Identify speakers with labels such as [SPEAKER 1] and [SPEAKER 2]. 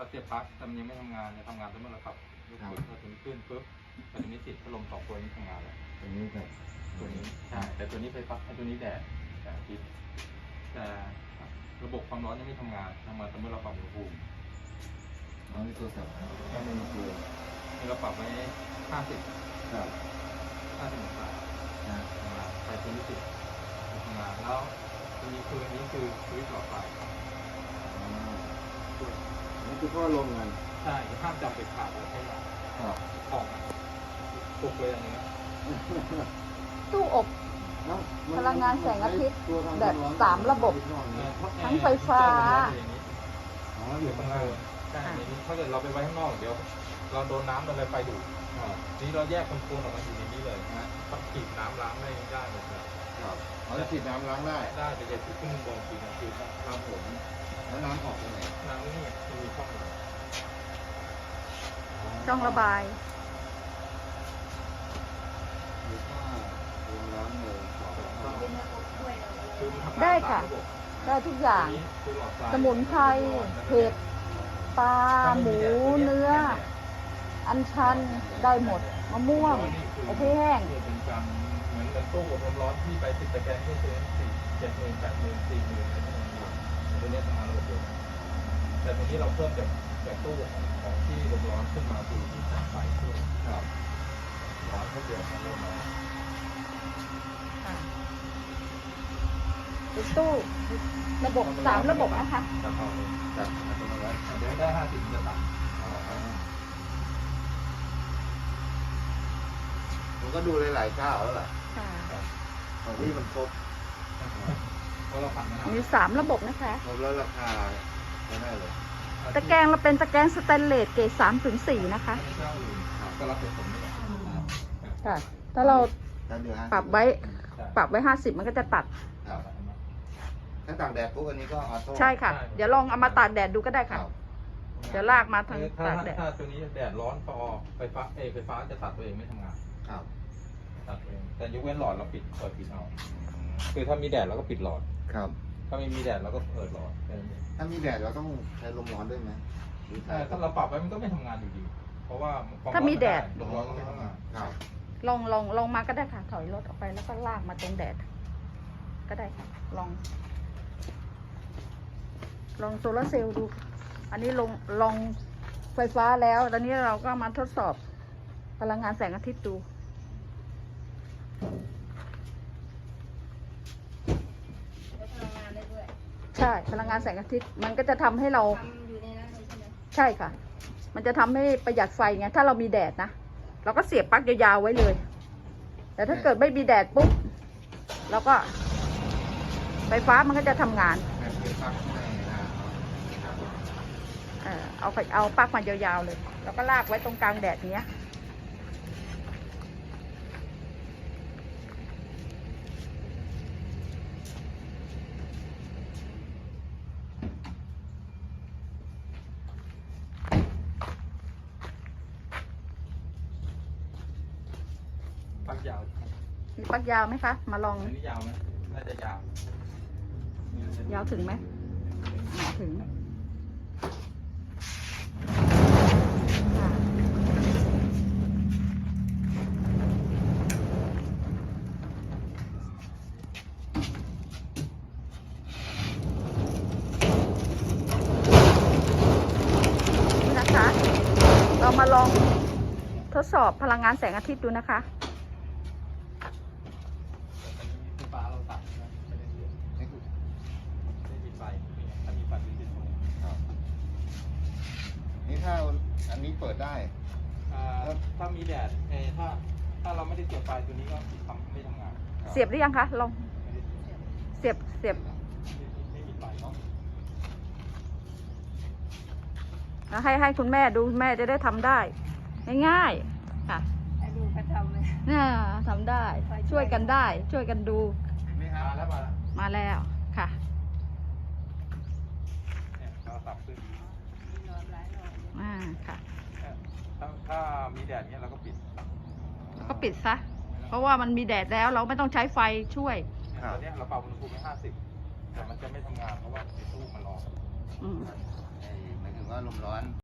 [SPEAKER 1] เราเสียบปลั๊กแต่มันยังไม่ทำงานจะทำงานเมื่อเราปรับลูกปืนเราถึงขึ้นปุ๊บแต่ตัวนี้ติดพัดลม2 ตัวนี้ทำงานแล้ว
[SPEAKER 2] ตัวนี้กับ
[SPEAKER 1] ตัวนี้ใช่แต่ตัวนี้ไฟฟ้าตัวนี้แดดอาทิตย์แต่ระบบความร้อนยังไม่ทำงานแต่เมื่อเราปรับอุณหภูมิ
[SPEAKER 2] น้องที่ตัวสับแค่ในมือคือ
[SPEAKER 1] นี่เราปรับไว้50
[SPEAKER 2] ครับ
[SPEAKER 1] องศา
[SPEAKER 2] นะ
[SPEAKER 1] ใส่ตัวนี้ติดทำงานแล้วตัวนี้คือสวิตช์หลอดไฟ
[SPEAKER 2] นี่คือพ่อลงกัน
[SPEAKER 1] ใช่ห้ามจับเด็ดขาดเลยให้
[SPEAKER 2] ครับ
[SPEAKER 1] ของตกเลยอันนี้
[SPEAKER 3] ตู้อบ พลังงานแสงอาทิตย์แบบ3 ระบบ ทั้งไฟฟ้า
[SPEAKER 2] อ๋ออยู่ข้างล่าง
[SPEAKER 1] ใช่ถ้าเกิดเราไปไว้ข้างนอกเดี๋ยวเราโดนน้ำโดนอะไรไฟดูดนี้เราแยกคอนโทรลออกมาอยู่ในนี้เลยนะต้องฉีดน้ำล้างได้หมดเลย
[SPEAKER 2] ครับเขาจะฉีดน้ำล้างได้
[SPEAKER 1] ได้แต่อย่าฉีดขึ้นบนฉีดนะฉีด
[SPEAKER 2] ครับผมแล้วน้ำออกตรงไหน
[SPEAKER 1] น้ำนี่จะมีช่องอยู่
[SPEAKER 3] ช่องระบาย
[SPEAKER 2] หรือว่าลงน้ำเลยขอ
[SPEAKER 1] คือมันทำงาน
[SPEAKER 3] ได้ค่ะ
[SPEAKER 1] ตามระบบ
[SPEAKER 3] ได้ทุกอย่าง
[SPEAKER 1] นี้คือหลอดไฟ
[SPEAKER 3] สมุนไพรเห็ดปลาหมูเนื้อ อัญชันได้หมดมะม่วงอบแห้ง
[SPEAKER 1] เป็นการเหมือนตู้อบลมร้อนที่ไปติดตะแกรงที่ซื้อ7,000 80,000 40,000อะไรพวกนี้ตัวนี้ทำงานระบบเดียวกันแต่ทีนี้เราเพิ่มจากตู้ของที่ลมร้อนขึ้นมาคือที่สายไฟด้วย
[SPEAKER 2] ครับ
[SPEAKER 1] ร้อนก็เดือดลมร้อน
[SPEAKER 3] เป็นตู้ระบบ3 ระบบนะคะ
[SPEAKER 1] จะเข้าเลย
[SPEAKER 2] จับอัตโนมัติ
[SPEAKER 1] เดี๋ยวได้50จะตัด
[SPEAKER 2] ผมก็ดูหลายๆเจ้าแล้วล่ะ
[SPEAKER 3] ค่ะ
[SPEAKER 2] ของที่มันครบ
[SPEAKER 1] เพราะเราผัดมะนาว
[SPEAKER 3] มี3 ระบบนะคะ
[SPEAKER 2] ครบแล้วราคาไม่ได้เลย
[SPEAKER 3] ตะแกรงเราเป็นตะแกรงสแตนเลสเกรด3-4นะคะ
[SPEAKER 1] เจ้าอื่นก็รับผลนี่แหละ
[SPEAKER 3] ค่ะ ถ้าเรา
[SPEAKER 2] แล้วเดือน
[SPEAKER 3] ปรับไว้50มันก็จะตัด
[SPEAKER 2] ครับถ้าตากแดดปุ๊บอันนี้ก็ออโต้
[SPEAKER 3] ใช่ค่ะ เดี๋ยวลองเอามาตากแดดดูก็ได้ค่ะ เดี๋ยวลากมาทางตากแดด
[SPEAKER 1] ถ้าตัวนี้แดดร้อนพอไฟฟ้าจะตัดตัวเองไม่ทำงาน
[SPEAKER 2] ครับ
[SPEAKER 1] ตัดเองแต่ยกเว้นหลอดเราปิดเอาคือถ้ามีแดดเราก็ปิดหลอด
[SPEAKER 2] ครับ
[SPEAKER 1] ถ้าไม่มีแดดเราก็เปิดหลอดแค่นั้นเอง
[SPEAKER 2] ถ้ามีแดดเราต้องใช้ลมร้อนด้วยไหมหรือใช้
[SPEAKER 1] แต่ถ้าเราปรับไว้มันก็ไม่ทำงานอยู่ดี เพราะว่าคว
[SPEAKER 3] ถ้ามีแดด
[SPEAKER 1] ลมร้อนก็ไม่ทำงาน
[SPEAKER 2] ครับ
[SPEAKER 3] ลองมาก็ได้ค่ะ ถอยรถออกไปแล้วก็ลากมาตรงแดด ก็ได้ค่ะ ลองโซลาร์เซลล์ดู อันนี้ลองไฟฟ้าแล้ว ตอนนี้เราก็มาทดสอบพลังงานแสงอาทิตย์ดู ใช่ พลังงานแสงอาทิตย์ มันก็จะทำให้เรา ใช่ค่ะ มันจะทำให้ประหยัดไฟไง ถ้าเรามีแดดนะ เราก็เสียบปลั๊กยาวๆไว้เลย แต่ถ้าเกิดไม่มีแดดปุ๊บ เราก็ ไฟฟ้ามันก็จะทำงาน
[SPEAKER 2] แบบเป็นปลั๊กในนะ
[SPEAKER 3] เอาปลั๊กมายาวๆเลย แล้วก็ลากไว้ตรงกลางแดดเนี้ย
[SPEAKER 1] ปักยาว
[SPEAKER 3] มีปลั๊กยาวไหมคะ มาลอง
[SPEAKER 1] อันนี้ยาวไหมน่าจะยาว
[SPEAKER 3] ยาวถึงไหมถึงนี่นะคะ เรามาลองทดสอบพลังงานแสงอาทิตย์ดูนะคะ
[SPEAKER 1] ไฟฟ้าเราตัดไม่ได้เสียบ
[SPEAKER 2] นี่คือ
[SPEAKER 1] ไม่มีไฟถ้ามีไฟจะติดตรงนี้
[SPEAKER 2] ครับนี่ถ้าอันนี้เปิดได้
[SPEAKER 1] ถ้ามีแดดถ้าเราไม่ได้เสียบไฟตัวนี้ก็ไม่ทำงาน
[SPEAKER 3] เสียบหรือยังคะ ลอง
[SPEAKER 1] ไม่ได้เสียบ
[SPEAKER 3] เสียบ
[SPEAKER 1] ไม่มีไฟเนาะ
[SPEAKER 3] แล้วให้คุณแม่ดูแม่จะได้ทำได้ ง่ายๆค่ะ
[SPEAKER 4] ให้ดูเขาทำเลย
[SPEAKER 3] ทำได้ ช่วยกันได้ ช่วยกันดู
[SPEAKER 2] เห็นไหมครับ
[SPEAKER 1] มาแล้ว
[SPEAKER 3] มาแล้วค่ะ
[SPEAKER 1] เนี่ยเราสับขึ้น
[SPEAKER 4] หลอดหลายหลอด
[SPEAKER 3] ค่ะ
[SPEAKER 1] ถ้ามีแดดเนี้ยเราก็ปิด
[SPEAKER 3] ก็ปิดซะ เพราะว่ามันมีแดดแล้วเราไม่ต้องใช้ไฟช่วย
[SPEAKER 1] ตอนนี้เราปรับอุณหภูมิไป50แต่มันจะไม่ทำงานเพราะว่าไอ้ตู้มันร้อน
[SPEAKER 3] อืม
[SPEAKER 2] หมายถึงว่าก็ลมร้อน